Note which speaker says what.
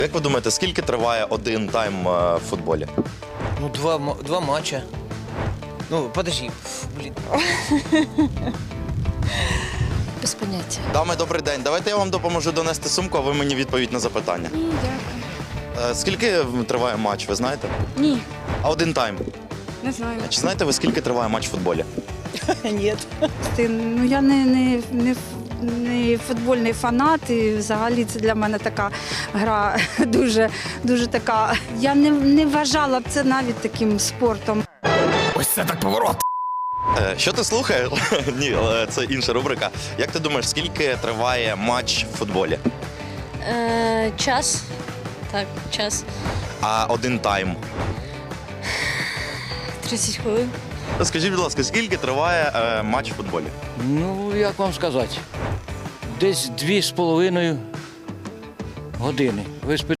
Speaker 1: Як ви думаєте, скільки триває один тайм в футболі?
Speaker 2: Ну, два матча. Ну, подожди, блін.
Speaker 3: Без поняття.
Speaker 1: Дами, добрий день. Давайте я вам допоможу донести сумку, а ви мені відповідь на запитання.
Speaker 3: Ні, дякую.
Speaker 1: Скільки триває матч, ви знаєте?
Speaker 3: Ні,
Speaker 1: А один тайм?
Speaker 3: не знаю.
Speaker 1: Чи знаєте ви, скільки триває матч в футболі?
Speaker 2: Ні.
Speaker 4: Ну, я не футбольний фанат, і взагалі це для мене така гра дуже така. Я не вважала б це навіть таким спортом.
Speaker 2: Ось це так поворот.
Speaker 1: Що ти слухаєш? Ні, це інша рубрика. Як ти думаєш, скільки триває матч в футболі?
Speaker 3: Час. Так, час.
Speaker 1: А один тайм?
Speaker 3: 30 хвилин.
Speaker 1: Скажіть, будь ласка, скільки триває матч в футболі?
Speaker 5: Ну, як вам сказати, десь 2,5 години. Ви